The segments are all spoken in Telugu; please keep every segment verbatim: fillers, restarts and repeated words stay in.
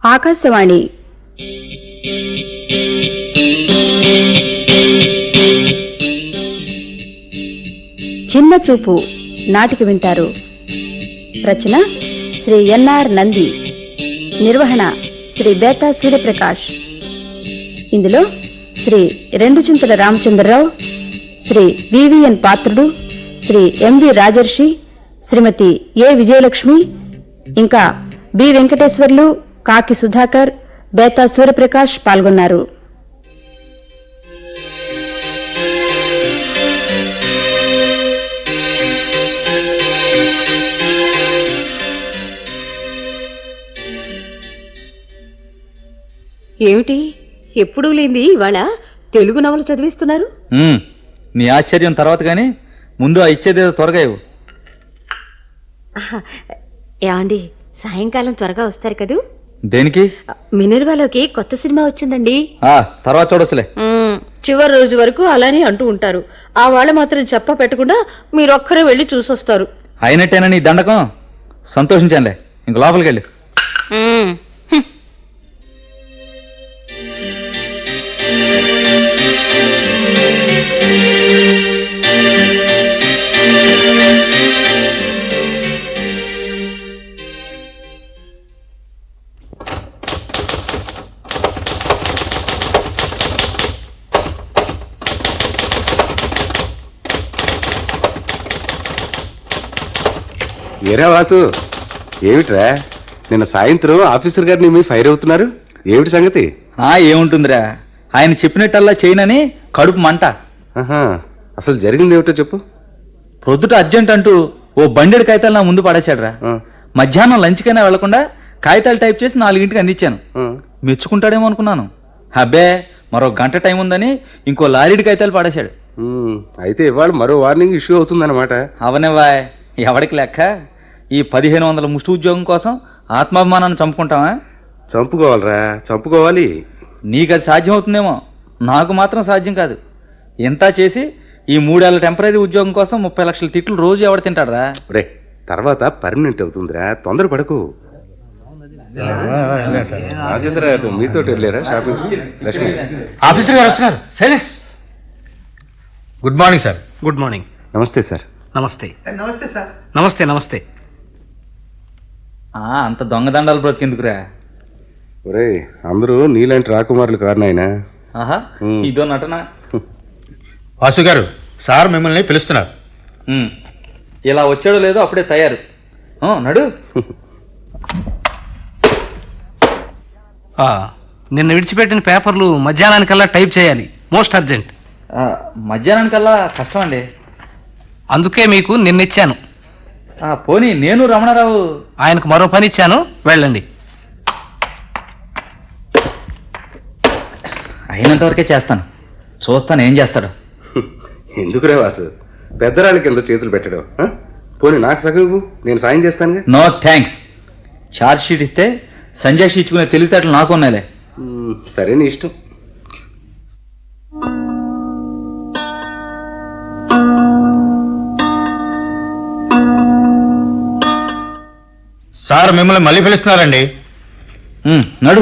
ఆకాశవాణి చిన్న చూపు నాటిక వింటారు. రచన శ్రీ ఎన్ఆర్ నంది, నిర్వహణ శ్రీ బేతా సూర్యప్రకాష్. ఇందులో శ్రీ రెండుచింతల రామచంద్రరావు, శ్రీ వివిఎన్ పాత్రుడు, శ్రీ ఎంవి రాజర్షి, శ్రీమతి ఏ విజయలక్ష్మి, ఇంకా బి వెంకటేశ్వర్లు, కాకి సుధాకర్, బేతా సూర్యప్రకాష్ పాల్గొన్నారు. ఏమిటి ఎప్పుడూ లేంది ఇవాళ తెలుగు నవల చదివిస్తున్నారు? నీ ఆశ్చర్యం తర్వాత గాని ముందు ఆ ఇచ్చేదేదో త్వరగా ఇవ్వు. ఏమండి, సాయంకాలం త్వరగా వస్తారు కదూ? దేనికి? మినర్వాలోకి కొత్త సినిమా వచ్చిందండి. ఆ తర్వాత చూడొచ్చులే. చివరి రోజు వరకు అలానే అంటూ ఉంటారు. ఆ వాళ్ళ మాత్రం చెప్ప పెట్టకుండా మీరొక్కరే వెళ్లి చూసొస్తారు. అయినట్టేనా నీ దండకం? సంతోషించానులే, ఇంక లోపలికి వెళ్ళి. ఏరా వాసు, ఏమిట్రా నిన్న సాయంత్రం ఆఫీసర్ గారిని మీ ఫైర్ అవుతున్నారు, ఏమిటి సంగతి? ఆ ఏముంటుందిరా, ఆయన చెప్పినట్టల్లా చేయనని కడుపు మంట. ఆహా, అసలు జరిగింది ఏమిటో చెప్పు. ప్రొద్దుట అర్జెంట్ అంటూ ఓ బండెడు కాగితాలు నా ముందు పడేశాడ్రా. మధ్యాహ్నం లంచ్కైనా వెళ్లకుండా కాగితాలు టైప్ చేసి నాలుగింటికి అందించాను. మెచ్చుకుంటాడేమో అనుకున్నాను. అబ్బే, మరో గంట టైం ఉందని ఇంకో లారీడి కాగితాలు పడేశాడు. అయితే ఇవాళ మరో వార్నింగ్ ఇష్యూ అవుతుందన్నమాట. అవనేవాయ్, ఎవడికి లెక్క? ఈ పదిహేను వందల ముష్టి ఉద్యోగం కోసం ఆత్మాభిమానాన్ని చంపుకుంటావా? చంపుకోవాలరా, చంపుకోవాలి. నీకు అది సాధ్యం అవుతుందేమో, నాకు మాత్రం సాధ్యం కాదు. ఎంత చేసి ఈ మూడేళ్ల టెంపరీ ఉద్యోగం కోసం ముప్పై లక్షల తిట్లు రోజు ఎవడు తింటాడరా? రే, తర్వాత పర్మనెంట్ అవుతుందిరా, తొందర పడకు. మీతో వెళ్ళారా షాపింగ్? లక్ష్మి ఆఫీసర్ గారు వస్తున్నారు. Silence. Good morning sir. Good morning. నమస్తే సార్. నమస్తే. నమస్తే సార్. నమస్తే నమస్తే. అంత దొంగదండాలు బ్రతికెందుకురా? ఒరే, అందరూ నీలాంటి రాకుమారులు కారు నాయనా. ఆహా, ఇదో నటన. వాసు గారు, సార్ మిమ్మల్ని పిలుస్తున్నారు. ఇలా వచ్చాడో లేదో అప్పుడే తయారు. నడు. నిన్న విడిచిపెట్టిన పేపర్లు మధ్యాహ్నానికల్లా టైప్ చేయాలి, మోస్ట్ అర్జెంట్. మధ్యాహ్నానికల్లా కష్టం అండి, అందుకే మీకు నిన్నిచ్చాను. పోనీ నేను రమణారావు ఆయనకు మరో పని ఇచ్చాను, వెళ్ళండి. అయినంతవరకే చేస్తాను, చూస్తాను ఏం చేస్తాడు. ఎందుకురే వాసు, పెద్దరాళ్ళ కింద చేతులు పెట్టడం. పోనీ నాకు సగం, నేను సాయం చేస్తాను. No thanks. ఛార్జ్ షీట్ ఇస్తే సంజయ్ ఇచ్చుకునే తెలివితేటలు నాకు ఉన్నాయిలే. సరే, నీ ఇష్టం. సార్ మిమ్మల్ని మళ్ళీ పిలుస్తున్నారండి. నడు.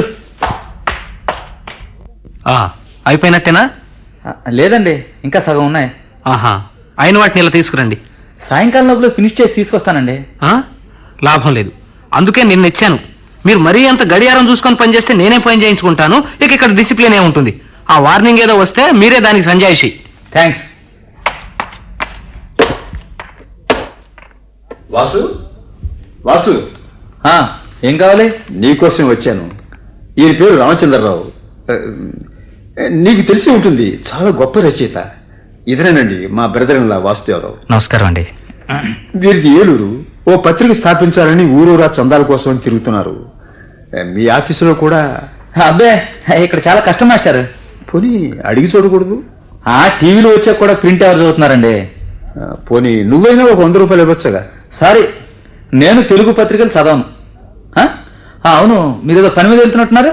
అయిపోయినట్టేనా? లేదండి, ఇంకా సగం ఉన్నాయి. ఆహా, అయిన వాటిని ఇలా తీసుకురండి. సాయంకాలం లోపల ఫినిష్ చేసి తీసుకొస్తానండి. లాభం లేదు, అందుకే నిన్న ఇచ్చాను. మీరు మరీ అంత గడియారం చూసుకొని పనిచేస్తే నేనే పని చేయించుకుంటాను. ఇక ఇక్కడ డిసిప్లిన్ ఏముంటుంది. ఆ వార్నింగ్ ఏదో వస్తే మీరే దానికి సంజాయిషి. థ్యాంక్స్. వాసు, వాసు, ఏం కావాలి? నీకోసం వచ్చాను. ఈయన పేరు రామచంద్రరావు, నీకు తెలిసి ఉంటుంది, చాలా గొప్ప రచయిత. ఇదనేనండి మా బ్రదర్ ఇన్ లా వాసుదేవరావు. నమస్కారం అండి. వీరిది ఏలూరు. ఓ పత్రిక స్థాపించాలని ఊరూరా చందాల కోసం తిరుగుతున్నారు. మీ ఆఫీసులో కూడా? అబ్బే, ఇక్కడ చాలా కష్టం మాస్టర్. పోనీ అడిగి చూడకూడదు? ఆ టీవీలో వచ్చా కూడా ప్రింట్ ఎవరు చదువుతున్నారండి. పోనీ నువ్వైనా ఒక వంద రూపాయలు ఇవ్వచ్చుగా. సారీ, నేను తెలుగు పత్రికలు చదవను. అవును, మీరేదో పని మీద వెళ్తున్నట్టున్నారు.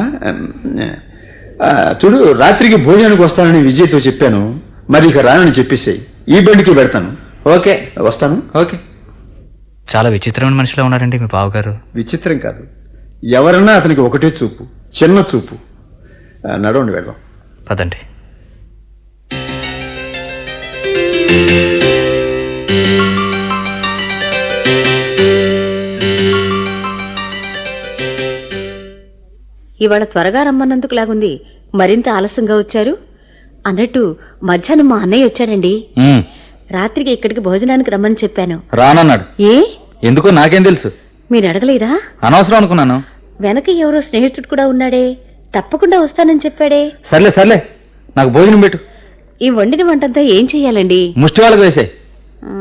చూడు, రాత్రికి భోజనానికి వస్తానని విజయ్తో చెప్పాను. మరి ఇక రానని చెప్పేసాయి. ఈ బండికి పెడతాను. ఓకే, వస్తాను. ఓకే. చాలా విచిత్రమైన మనిషిలో ఉన్నారండి మీ బావగారు. విచిత్రం కాదు, ఎవరన్నా అతనికి ఒకటే చూపు, చిన్న చూపు. ఆ, నడవండి వెళ్దాం. పదండి. ఇవాళ త్వరగా రమ్మన్నందుకు లాగుంది. మరింత ఆలస్యంగా వచ్చారు. అన్నట్టు మధ్యాహ్నం మా అన్నయ్య వచ్చాడండి. ఉమ్, రాత్రికి ఇక్కడికి భోజనానికి రమ్మని చెప్పాను. రానన్నాడు. ఏ ఎందుకో నాకేం తెలుసు, మీరు అడగలేదా? అనవసరం అనుకున్నాను. వెనక ఎవరో స్నేహితుడు కూడా ఉన్నాడే, తప్పకుండా వస్తానని చెప్పాడే. సర్లే సర్లే, నాకు భోజనం పెట్టు. ఈ వండిన వంటంతా ఏం చెయ్యాలండి? ముష్టి వాళ్ళకి వేసే. ఆ.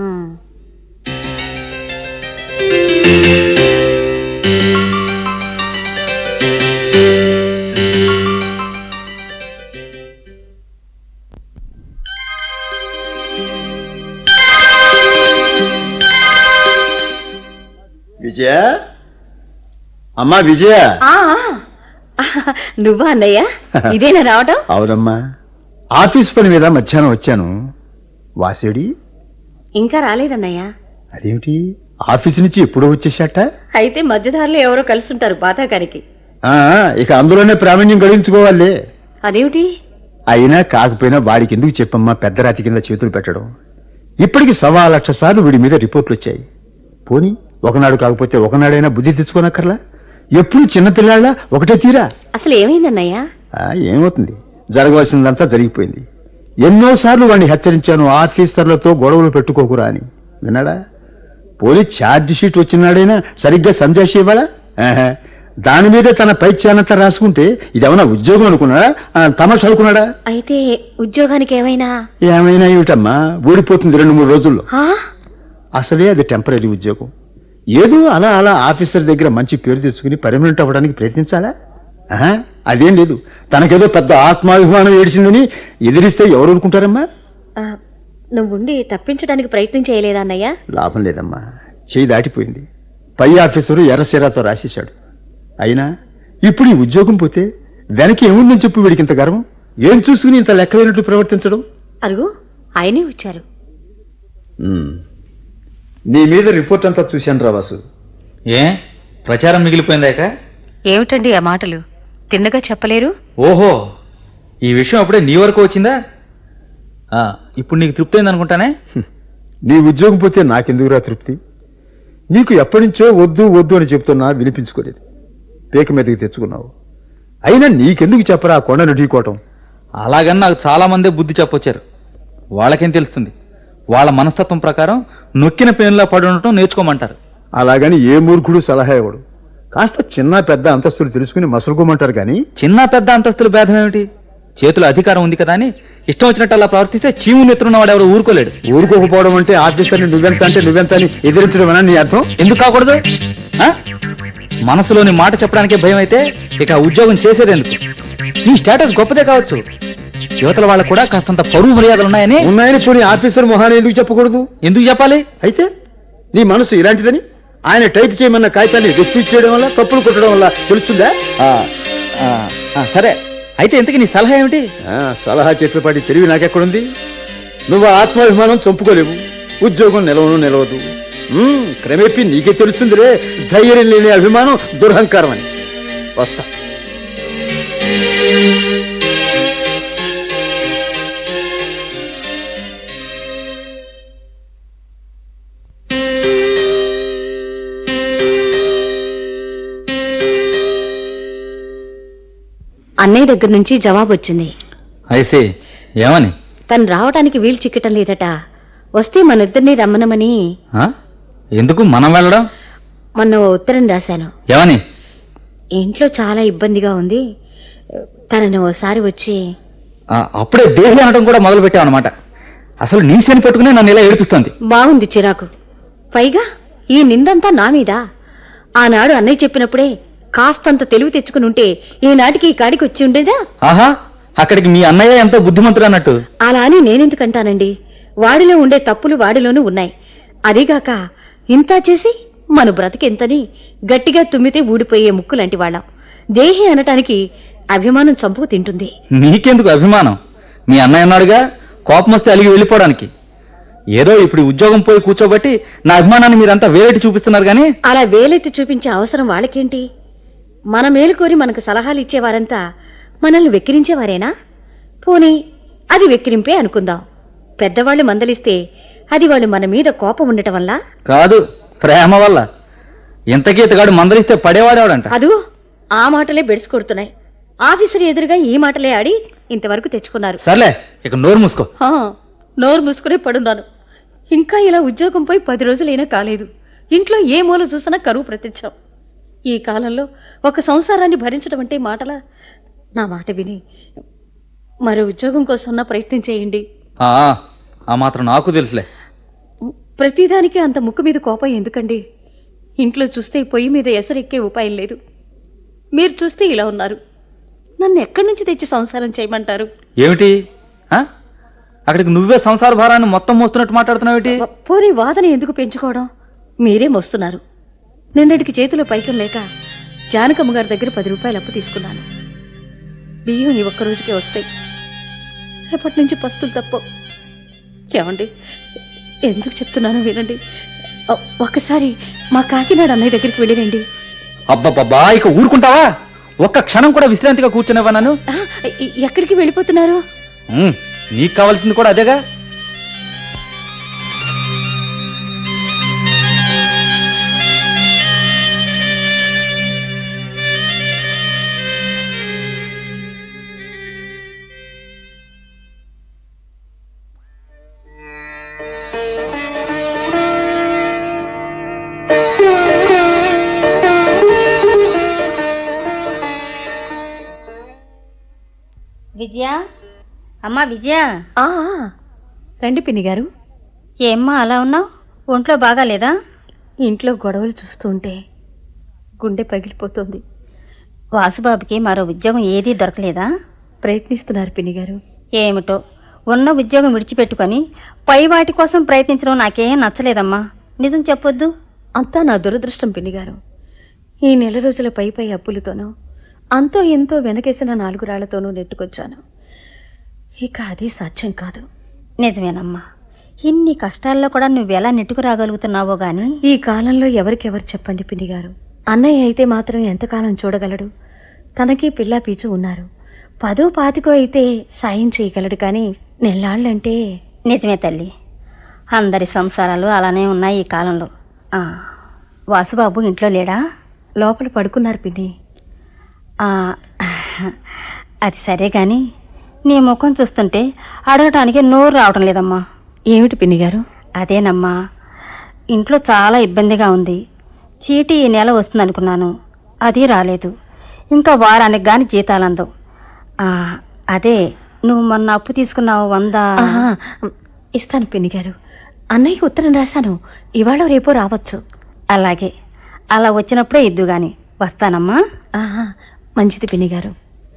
విజయ, అమ్మా విజయ. ఆ, ఆ, నువ్వా అన్నయ్య? ఇదేనా రావటం? అవునమ్మా, ఆఫీస్ పని మీద మధ్యాహ్నం వచ్చాను. వాసేడి ఇంకా రాలేదన్నయ్య. అదేమిటి, ఆఫీస్ నుంచి ఎప్పుడో వచ్చేసాట? అయితే మధ్యదారిలో ఎవరో కలుసుంటారు బాతాకానికి. ఆ, ఇక అందులోనే ప్రావీణ్యం గడించుకోవాలి. అదేమిటి? అయినా కాకపోయినా వాడికి ఎందుకు చెప్పమ్మా పెద్ద రాతి కింద చేతులు పెట్టడం? ఇప్పటికి సవా లక్ష సార్లు వీడి మీద రిపోర్ట్లు వచ్చాయి. పోనీ ఒకనాడు కాకపోతే ఒకనాడైనా బుద్ధి తెచ్చుకోనక్కర్లా? ఎప్పుడు చిన్నపిల్లాళ్ళ ఒకటే తీరా? అసలు ఏమైందన్నయ్య? ఆ, ఏమవుతుంది, జరగవలసిందంతా జరిగిపోయింది. ఎన్నోసార్లు వాడిని హెచ్చరించాను, ఆఫీసర్లతో గొడవలు పెట్టుకోకురా అని. విన్నాడా? పోలీస్ ఛార్జ్ షీట్ వచ్చినాడైనా సరిగ్గా సంజాషి ఇవ్వాలా? ఆహా, దాని మీదే తన పైత్యానంతా రాసుకుంటే ఇదేమన్నా ఉద్యోగం అనుకున్నాడా, తమాషా అనుకున్నాడా? అయితే ఉద్యోగానికి ఏమైనా? ఏమైనా ఏమిటమ్మా, ఊడిపోతుంది రెండు మూడు రోజుల్లో. ఆ? అసలే అది టెంపరీ ఉద్యోగం. ఏదో అలా అలా ఆఫీసర్ దగ్గర మంచి పేరు తెచ్చుకుని పర్మనెంట్ అవ్వడానికి ప్రయత్నించాలా? ఆహా, అదేం లేదు. తనకేదో పెద్ద ఆత్మాభిమానం ఏడిచిందని ఎదిరిస్తే ఎవరు ఊరుకుంటారమ్మా? ఆ, నువ్వుండి తప్పించడానికి ప్రయత్నం చేయలేదా అన్నయ్య? లాభం లేదమ్మా, చేయి దాటిపోయింది. పై ఆఫీసరు ఎర్రసీరాతో రాసేశాడు. అయినా ఇప్పుడు ఈ ఉద్యోగం పోతే వెనక్కి ఏముందని చెప్పు వీడికి ఇంత గర్వం? ఏం చూసుకుని ఇంత లెక్కలేనట్లు ప్రవర్తించడం? అరుగు, ఆయనే వచ్చారు. నీ మీద రిపోర్ట్ అంతా చూశాను రా వాసు. ఏ ప్రచారం మిగిలిపోయిందాక? ఏమిటండి ఆ మాటలు? తిన్నగా చెప్పలేరు? ఓహో, ఈ విషయం అప్పుడే నీ వరకు వచ్చిందా? ఆ, ఇప్పుడు నీకు తృప్తి అయింది అనుకుంటానే. నీ ఉద్యోగం పోతే నాకెందుకురా తృప్తి? నీకు ఎప్పటి నుంచో వద్దు వద్దు అని చెప్తున్నా వినిపించుకోలేదు. పేక మీదకి తెచ్చుకున్నావు. అయినా నీకెందుకు చెప్పరా ఆ కొండను ఢీకోవటం? అలాగని నాకు చాలా మందే బుద్ధి చెప్పొచ్చారు. వాళ్ళకేం తెలుస్తుంది? వాళ్ళ మనస్తత్వం ప్రకారం నొక్కిన పేనులా పడి ఉండటం నేర్చుకోమంటారు. అలాగని ఏ మూర్ఖుడు సలహా ఇవ్వడు. కాస్త చిన్న పెద్ద అంతస్తులు తెలుసుకుని మసలుకోమంటారు కానీ. చిన్న పెద్ద అంతస్తుల భేదం ఏమిటి? చేతిలో అధికారం ఉంది కదా అని ఇష్టం వచ్చినట్టు అలా ప్రవర్తిస్తే చీము నెత్తున్నవాడు ఎవరు ఊరుకోలేడు. ఊరుకోకపోవడం అంటే ఆఫీసర్ని నువ్వెంత అంటే నువ్వెంత అని ఎదిరించడం నీ అర్థం? ఎందుకు కాకూడదు? ఆ? మనసులోని మాట చెప్పడానికే భయం అయితే ఇక ఉద్యోగం చేసేది ఎందుకు? నీ స్టేటస్ గొప్పదే కావచ్చు, యువతల వాళ్ళకు కూడా కాస్తంత పరువు మర్యాదలు ఉన్నాయని. ఉన్నాయని పోనీ ఆఫీసర్ మొహాన్ని ఎందుకు చెప్పకూడదు? ఎందుకు చెప్పాలి? అయితే నీ మనసు ఇలాంటిదని ఆయన టైప్ చేయమన్న కాగితాన్ని రిఫ్యూజ్ చేయడం వల్ల, తప్పులు కొట్టడం వల్ల తెలుస్తుందా? ఆ, ఆ, ఆ, సరే, అయితే ఇంతకీ నీ సలహా ఏమిటి? ఆ, సలహా చెప్పేపాటి తెలివి నాకెక్కడుంది? నువ్వు ఆత్మాభిమానం చంపుకోలేవు, ఉద్యోగం నిలవను నిలవదు. ఉమ్, క్రమేపీ నీకే తెలుస్తుందిరే ధైర్యం లేని అభిమానం దురహంకారం అని. వస్తా. అన్నయ్య దగ్గర నుంచి జవాబు వచ్చింది. ఐసే, ఏమని? తను రావటానికి వీలు చిక్కటం లేదట. వస్తే మన ఇద్దరిని రమ్మనమని. ఆ? ఎందుకు మనం వెళ్ళడం? మొన్న ఓ ఉత్తరం రాశాను. ఏమని? ఇంట్లో చాలా ఇబ్బందిగా ఉంది, తనని ఓసారి వచ్చి. ఆ, అప్పుడే దేహి అనడం కూడా మొదలు పెట్టావు అనమాట. అసలు నీ శని పట్టుకునే నన్ను ఇలా ఏడిపిస్తోంది. బాగుంది చిరాకు. పైగా ఈ నిందంతా నా మీద. ఆనాడు అన్నయ్య చెప్పినప్పుడే కాస్తంత తెలివి తెచ్చుకుని ఉంటే ఈనాటికి ఈ కాడికి వచ్చి ఉండేదా? ఆహా, అక్కడికి మీ అన్నయ్య ఎంతో బుద్ధిమంతుడు అన్నట్టు. అలా అని నేనెందుకంటానండి? వాడిలో ఉండే తప్పులు వాడిలోనూ ఉన్నాయి. అదీగాక ఇంతా చేసి మన బ్రతికెంతని గట్టిగా తుమ్మితే ఊడిపోయే ముక్కు లాంటి వాళ్ళం. దేహి అనటానికి అభిమానం చంపుకు తింటుంది. నీకెందుకు అభిమానం? మీ అన్నయ్య అన్నాడుగా, కోపం వస్తే అలిగి వెళ్ళిపోవడానికి. ఏదో ఇప్పుడు ఉద్యోగం పోయి కూర్చోబట్టి నా అభిమానాన్ని మీరంతా వేలెట్టి చూపిస్తున్నారు గానీ. అలా వేలెత్తి చూపించే అవసరం వాళ్ళకేంటి? మన మేలు కోరి మనకు సలహాలు ఇచ్చేవారంతా మనల్ని వెక్కిరించేవారేనా? పోనీ అది వెక్కిరింపే అనుకుందాం. పెద్దవాళ్ళు మందలిస్తే అది వాళ్ళు మన మీద కోపం ఉండటం వల్ల కాదు, ప్రేమ వల్ల. ఇంతకీ ఇతగాడు మందలిస్తే పడేవాడేవాడంట. అదు ఆ మాటలే బెడిసి కొడుతున్నాయి. ఆఫీసర్ ఎదురుగా ఈ మాటలే ఆడి ఇంతవరకు తెచ్చుకున్నారు. సర్లే, ఇక నోరు మూసుకో. హా, నోరు మూసుకునే పడున్నాను. ఇంకా ఇలా ఉద్యోగం పోయి పది రోజులైనా కాలేదు. ఇంట్లో ఏ మూల చూసినా కరువు ప్రత్యక్షం. ఈ కాలంలో ఒక సంసారాన్ని భరించడం అంటే మాటలా? నా మాట విని మరో ఉద్యోగం కోసం ప్రయత్నం చేయండి. ఆ, ఆ మాత్రం నాకు తెలుసులే. ప్రతిదానికి అంత ముక్కు మీద కోపం ఎందుకండి? ఇంట్లో చూస్తే పొయ్యి మీద ఎసరెక్కే ఉపాయం లేదు. మీరు చూస్తే ఇలా ఉన్నారు. నన్ను ఎక్కడి నుంచి తెచ్చి సంసారం చేయమంటారు? ఏమిటి ఆ? అక్కడికి నువ్వే సంసార భారాన్ని మొత్తం మోస్తున్నట్టు మాట్లాడుతున్నావేటి? పోనీ వాదన ఎందుకు పెంచుకోవడం? మీరే మోస్తున్నారు. నిన్నటికి చేతిలో పైకం లేక జానకమ్మ గారి దగ్గర పది రూపాయలు అప్పు తీసుకున్నాను. బియ్యం ఈ ఒక్క రోజుకే వస్తాయి. రేపటి నుంచి పస్తులు తప్ప. ఏమండి, ఎందుకు చెప్తున్నానో వినండి. ఒ- ఒక్కసారి మా కాకినాడ అన్నయ్య దగ్గరికి వెళ్ళిరండి. అబ్బబ్బబ్బా, ఇక ఊరుకుంటావా? ఒక్క క్షణం కూడా విశ్రాంతిగా కూర్చునేవా నన్ను? ఆ, ఎ- ఎక్కడికి వెళ్ళిపోతున్నారు? ఉమ్, నీకు కావాల్సింది కూడా అదేగా. విజయ, అమ్మా విజయ, ఆ, ఆ, రండి పిన్ని గారు. ఏమ్మా అలా ఉన్నావు? ఒంట్లో బాగాలేదా? ఇంట్లో గొడవలు చూస్తూ ఉంటే గుండె పగిలిపోతుంది. వాసుబాబుకి మరో ఉద్యోగం ఏదీ దొరకలేదా? ప్రయత్నిస్తున్నారు పిన్ని గారు. ఏమిటో, ఉన్న ఉద్యోగం విడిచిపెట్టుకొని పై వాటి కోసం ప్రయత్నించడం నాకేం నచ్చలేదమ్మా. నిజం చెప్పొద్దు. అంతా నా దురదృష్టం పిన్ని గారు. ఈ నెల రోజుల పై పై అప్పులతోనూ అంతో ఎంతో వెనకేసిన నాలుగు రాళ్లతోనూ నెట్టుకొచ్చాను. ఇక అది సాధ్యం కాదు. నిజమేనమ్మా, ఇన్ని కష్టాల్లో కూడా నువ్వెలా నెట్టుకు రాగలుగుతున్నావో గాని. ఈ కాలంలో ఎవరికెవరు చెప్పండి పిన్ని గారు. అన్నయ్య అయితే మాత్రం ఎంతకాలం చూడగలడు? తనకి పిల్లా పీచు ఉన్నారు. పదో పాతికో అయితే సాయం చేయగలడు, కానీ నెల్లాళ్ళంటే. నిజమే తల్లి, అందరి సంసారాలు అలానే ఉన్నాయి ఈ కాలంలో. ఆ, వాసుబాబు ఇంట్లో లేడా? లోపల పడుకున్నారు పిన్ని. ఆ, అది సరే గాని నీ ముఖం చూస్తుంటే అడగటానికి నోరు రావటం లేదమ్మా. ఏమిటి పిన్ని గారు? అదేనమ్మా, ఇంట్లో చాలా ఇబ్బందిగా ఉంది. చీటీ ఈ నెల వస్తుందనుకున్నాను, అది రాలేదు. ఇంకా వారానికి గాని జీతాలు అందవు. ఆ, అదే నువ్వు మొన్న అప్పు తీసుకున్నావు వంద. ఆహా, ఇస్తాను పిన్ని గారు. అన్నయ్యకి ఉత్తరం రాశాను. ఇవాళ రేపో రావచ్చు. అలాగే, అలా వచ్చినప్పుడే ఇద్దు గాని. వస్తానమ్మా. ఆహా, మంచిది పిన్ని గారు.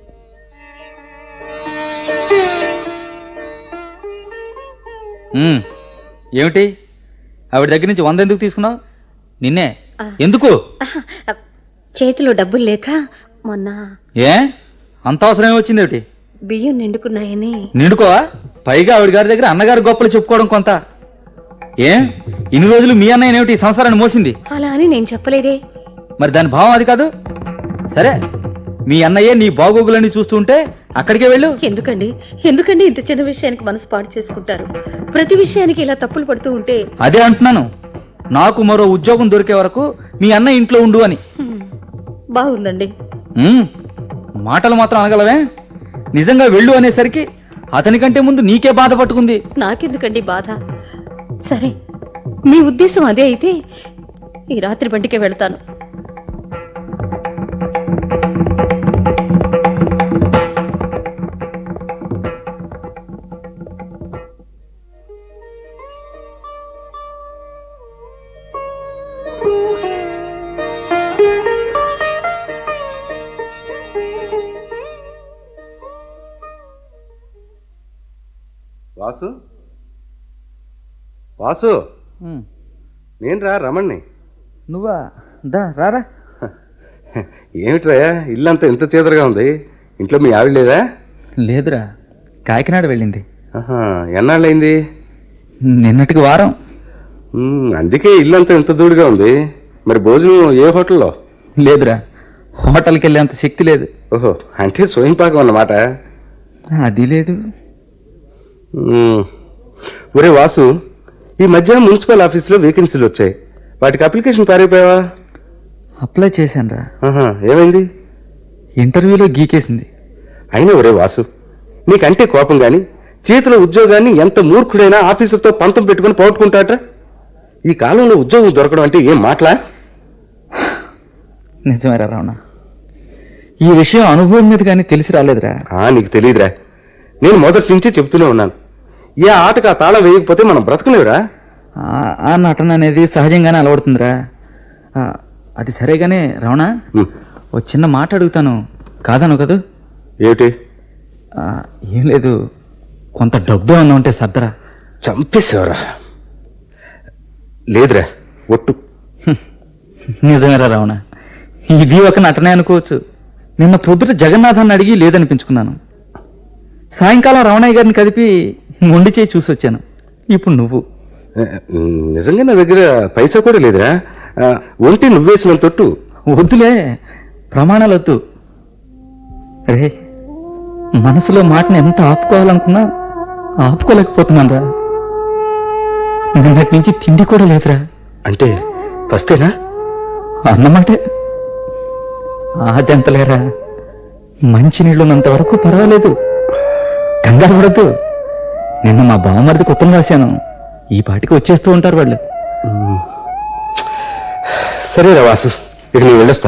ఉమ్, ఏమిటి ఆవిడ దగ్గర నుంచి వంద ఎందుకు తీసుకున్నావు? నిన్నే ఎందుకు? ఆహా, చేతిలో డబ్బులు లేక మొన్న ఏ అంత అవసరం ఏమొచ్చింది? ఏమిటి బియ్యం నిండుకున్నాయని. నిండుకోవా? పైగా ఆవిడ గారి దగ్గర అన్నగారి గొప్పలు చెప్పుకోవడం కొంత. ఏ ఇన్ని రోజులు మీ అన్నయ్య ఏమిటి ఈ సంసారాన్ని మోసింది? అలా అని నేను చెప్పలేదే. మరి దాని భావం అది కాదు. సరే, మీ అన్నయ్య నీ బాగోగులన్నీ చూస్తూ ఉంటే అక్కడికే వెళ్ళు. ఎందుకండి ఎందుకండి ఇంత చిన్న విషయానికి మనసు పాడు చేసుకుంటారు? ప్రతి విషయానికి ఇలా తప్పులు పడుతూ ఉంటే. అదే అంటున్నాను, నాకు మరో ఉద్యోగం దొరికే వరకు మీ అన్న ఇంట్లో ఉండు అని. హ్మ్, బాగుందండి. ఉమ్, మాటలు మాత్రం అనగలవే? నిజంగా వెళ్ళు అనేసరికి అతనికంటే ముందు నీకే బాధ పట్టుకుంది. నాకెందుకండి బాధ? సరే, మీ ఉద్దేశం అదే అయితే ఈ రాత్రి బండికే వెళ్తాను. వాసు, వాసు, నేను రా రమణ్ణి. నువ్వా? దా రారా. ఏమిట్రా ఇల్లంతా ఇంత చేదరగా ఉంది? ఇంట్లో మీ ఆవిడ లేదా? లేదురా, కాకినాడ వెళ్ళింది. ఆహా, ఎన్నాళ్ళైంది? నిన్నటికి వారం. ఉమ్, అందుకే ఇల్లంతా ఇంత దూడుగా ఉంది. మరి భోజనం ఏ హోటల్లో? లేదురా, హోటల్కి వెళ్ళేంత శక్తి లేదు. ఓహో, అంటే స్వయం పాకం అన్నమాట. అది లేదు. ఉమ్. ఒరే వాసు, ఈ మధ్య మున్సిపల్ ఆఫీసులో వేకెన్సీలు వచ్చాయి. వాటికి అప్లికేషన్ పారైపోయావా? అప్లై చేశాను రా. ఆహా, ఏమైంది? ఇంటర్వ్యూలో గీకేసింది. అయినా ఒరే వాసు, నీకంటే కోపం గాని చేతిలో ఉద్యోగాన్ని ఎంత మూర్ఖుడైనా ఆఫీసర్తో పంతం పెట్టుకుని పోగొట్టుకుంటాట. ఈ కాలంలో ఉద్యోగం దొరకడం అంటే ఏం మాటలా? నిజమేరా రావణ, ఈ విషయం అనుభవం మీద కానీ తెలిసి రాలేదురా. ఆ, నీకు తెలియదురా, నేను మొదటి నుంచి చెప్తూనే ఉన్నాను. ఏ ఆటకు ఆ తాళం వేయకపోతే మనం బ్రతకలేవురా. ఆ- ఆ నటన అనేది సహజంగానే అలవడుతుందిరా. ఆ, అది సరేగానే రావణ, ఉమ్. ఓ చిన్న మాట అడుగుతాను, కాదను కదూ? ఏమిటి? ఆ, ఏం లేదు, కొంత డబ్బు ఏమన్నా ఉంటే సర్దరా. చంపేసేవరా. లేదురా, ఒట్టు. నిజమేరా రావణ, ఇది ఒక నటనే అనుకోవచ్చు. నిన్న పొద్దుట జగన్నాథాన్ని అడిగి లేదనిపించుకున్నాను. సాయంకాలం రమణయ్య గారిని కదిపి మొండి చేయి చూసి వచ్చాను. ఇప్పుడు నువ్వు. నిజంగా నా దగ్గర పైసా కూడా లేదురా. ఆ, ఒంటి నువ్వేసిన తొట్టు. వద్దులే, ప్రమాణాలు వద్దు. రే, మనసులో మాటను ఎంత ఆపుకోవాలనుకున్నా ఆపుకోలేకపోతున్నాను రా. నిన్నటి నుంచి తిండి కూడా లేదురా. అంటే ఫస్తేనా? అన్నమాటే. అదెంతలేరా, మంచినీళ్ళున్నంత వరకు పర్వాలేదు, కంగారు పడద్దు. నిన్న మా బావమరిది ఉత్తరం రాశాను, ఈ పాటికి వచ్చేస్తూ ఉంటారు వాళ్ళు. సరేరా వాసు, ఇక నేను వెళ్ళొస్తా.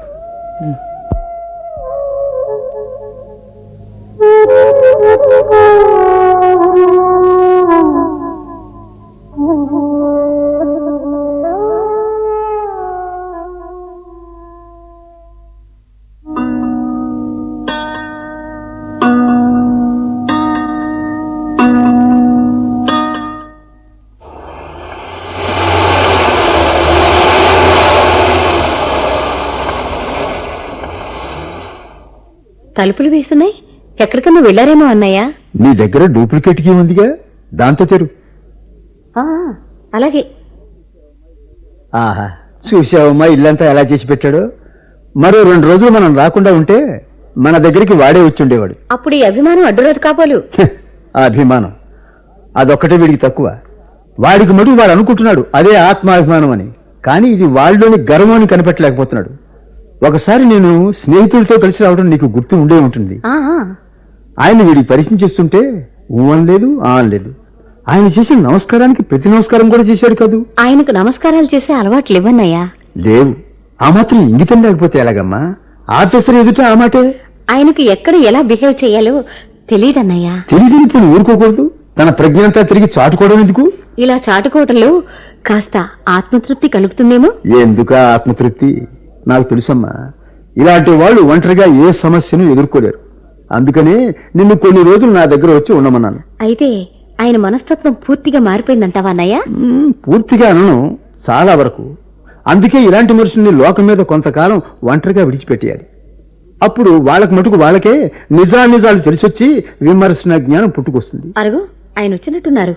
తలుపులు వేస్తున్నాయి, ఎక్కడికన్నా వెళ్ళారేమో అన్నయ్య. నీ దగ్గర డూప్లికేట్ కీ ఉందిగా, దాంతో తెరు. ఆ, అలాగే. ఆహా, చూసావమ్మా ఇల్లంతా ఎలా చేసి పెట్టాడో. మరో రెండు రోజులు మనం రాకుండా ఉంటే మన దగ్గరికి వాడే వచ్చి ఉండేవాడు. అప్పుడు ఈ అభిమానం అడ్డురాదు కాబోలు. హె, ఆ అభిమానం అదొక్కటే వీడికి తక్కువ. వాడికి మటుకు వాడు అనుకుంటున్నాడు అదే ఆత్మాభిమానం అని, కానీ ఇది వాళ్ళలోని గర్వాన్ని కనిపెట్టలేకపోతున్నాడు. ఒకసారి నేను స్నేహితులతో కలిసి రావడం నీకు గుర్తు ఉండే ఉంటుంది. ఆ, ఆ, ఆయన వీడికి పరిచయం చేస్తుంటే ఊ అనలేదు, ఆ అనలేదు. ఆయన చేసిన నమస్కారానికి ప్రతి నమస్కారం కూడా చేశాడు కదూ. ఆయనకు నమస్కారాలు చేసే అలవాట్లు ఇవ్వన్నయ్యా. లేవు. ఆ మాత్రం ఇంగితం లేకపోతే ఎలాగమ్మా? ఆఫీసర్ ఎదుట ఆ మాటే. ఆయనకు ఎక్కడ ఎలా బిహేవ్ చేయాలో తెలియదన్నయ్యా. తిరిగి ఇప్పుడు ఊరుకోకూడదు. తన ప్రజ్ఞంతా తిరిగి చాటుకోవడం ఎందుకు? ఇలా చాటుకోవటంలో కాస్త ఆత్మతృప్తి కలుగుతుందేమో. ఎందుక ఆత్మతృప్తి? నాకు తెలుసమ్మా, ఇలాంటి వాళ్ళు ఒంటరిగా ఏ సమస్యను ఎదుర్కోలేరు. అందుకనే నిన్ను కొన్ని రోజులు నా దగ్గర వచ్చి ఉండమన్నాను. అయితే ఆయన మనస్తత్వం పూర్తిగా మారిపోయిందంటావా అన్నయ్య? మ్మ్, పూర్తిగా అనను, చాలా వరకు. అందుకే ఇలాంటి మనుషుల్ని లోకం మీద కొంతకాలం ఒంటరిగా విడిచిపెట్టేయాలి. అప్పుడు వాళ్ళకి మటుకు వాళ్ళకే నిజానిజాలు తెలిసొచ్చి విమర్శన జ్ఞానం పుట్టుకొస్తుంది. అరుగు, ఆయన వచ్చినట్టున్నారు.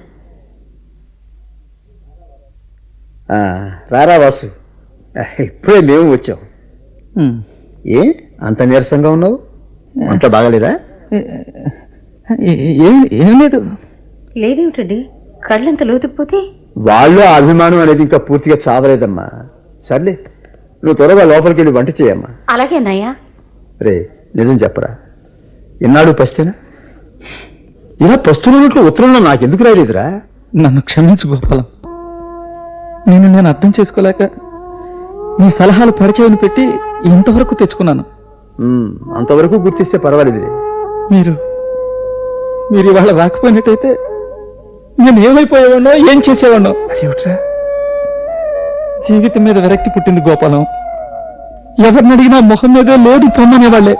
ఆ, రారా వాసు, ఇప్పుడే మేము వచ్చాం. ఉమ్. ఏ అంత నీరసంగా ఉన్నావు? అంత బాగాలేదా? ఏ- ఏం ఏం లేదు. లేదేమిటండి, కళ్ళంత లోతుకుపోతే? వాళ్ళు ఆ అభిమానం అనేది ఇంకా పూర్తిగా చావలేదమ్మా. సర్లే, నువ్వు త్వరగా లోపలికి వెళ్ళి వంట చేయమ్మా. అలాగే అన్నయ్య. రే, నిజం చెప్పరా, ఎన్నాడు పస్తేనా? ఇలా పస్తున్నట్లు ఉత్తరంలో నాకెందుకు రాలేదురా? నన్ను క్షమించు గోపాలం, నేను నేను అర్థం చేసుకోలేక నీ సలహాలు పరిచయం పెట్టి ఇంతవరకు తెచ్చుకున్నాను. ఉమ్, అంతవరకు గుర్తిస్తే పర్వాలేదులే. మీరు మీరు ఇవాళ రాకపోయినట్టయితే నేను ఏమైపోయేవాడినో, ఏం చేసేవాడినో. అదేమిట్రా? జీవితం మీద విరక్తి పుట్టింది గోపాలం. ఎవరిని అడిగినా మొహం మీదే లేదు పొమ్మనేవాళ్లే.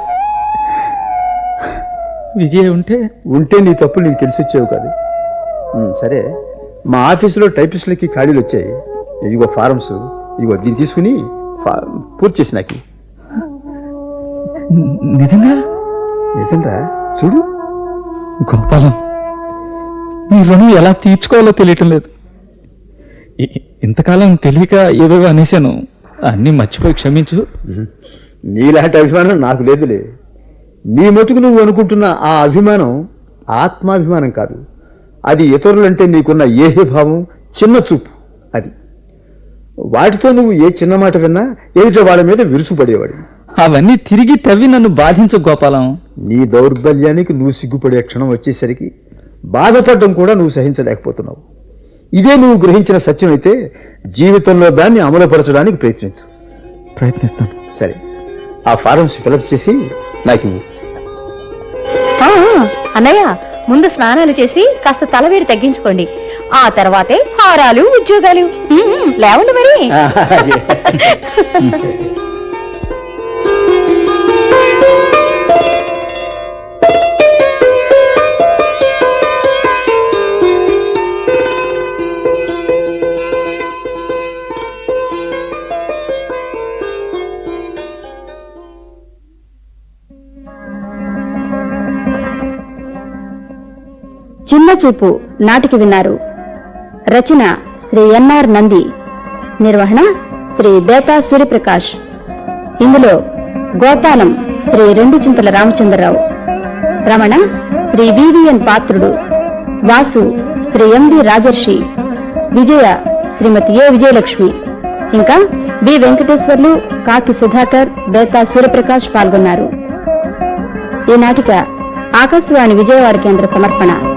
విజయ ఉంటే ఉంటే నీ తప్పులు నీకు తెలిసి వచ్చేవి కాదు. ఉమ్, సరే, మా ఆఫీసులో టైపిస్టులకి ఖాళీలు వచ్చాయి. ఇదిగో ఫారమ్స్, ఇదిగో దీన్ని తీసుకుని ఫా- పూర్తి చేసి నాకు. నిజంగా నిజంరా, చూడు. గోపాలం, నీ రుణం ఎలా తీర్చుకోవాలో తెలియటం లేదు. ఇ- ఇంతకాలం తెలియక ఏవేవో అనేశాను, అన్నీ మర్చిపోయి క్షమించు. నీలాంటి అభిమానం నాకు లేదులే. నీ మటుకు నువ్వు అనుకుంటున్న ఆ అభిమానం ఆత్మాభిమానం కాదు. అది ఇతరులంటే నీకున్న ఏహ్యభావం, చిన్న చూపు. అది వాటితో నువ్వు ఏ చిన్న మాట విన్నా ఎదుట వాళ్ళ మీద విరుసుపడేవాడి. అవన్నీ తిరిగి తవ్వి నన్ను బాధించు గోపాలం. నీ దౌర్బల్యానికి నువ్వు సిగ్గుపడే క్షణం వచ్చేసరికి బాధపడడం కూడా నువ్వు సహించలేకపోతున్నావు. ఇదే నువ్వు గ్రహించిన సత్యం అయితే జీవితంలో దాన్ని అమలుపరచడానికి ప్రయత్నించు. ప్రయత్నిస్తాను. సరే, ఆ ఫారమ్స్ ఫిలప్ చేసి నాకు ఇవ్వు. ఆ, అన్నయ్య ముందు స్నానాలు చేసి కాస్త తలవేడి తగ్గించుకోండి. ఆ తర్వాతే హారాలు, ఉద్యోగాలు. ఉమ్, లేవండి మరి. చిన్న చూపు నాటికి విన్నారు. రచన శ్రీ ఎన్ఆర్ నంది, నిర్వహణ శ్రీ బేతా సూర్యప్రకాష్. ఇందులో Gopalam Shri Renduchintala Ramachandrarao, Ramana Shri VVN Patrudu, Vasu Shri MD Rajarshi, Vijaya శ్రీమతి ఏ విజయలక్ష్మి, ఇంకా బి వెంకటేశ్వర్లు, కాకి సుధాకర్, బేతా సూర్యప్రకాష్ పాల్గొన్నారు. ఈ నాటిక ఆకాశవాణి విజయవాడ కేంద్ర సమర్పణ.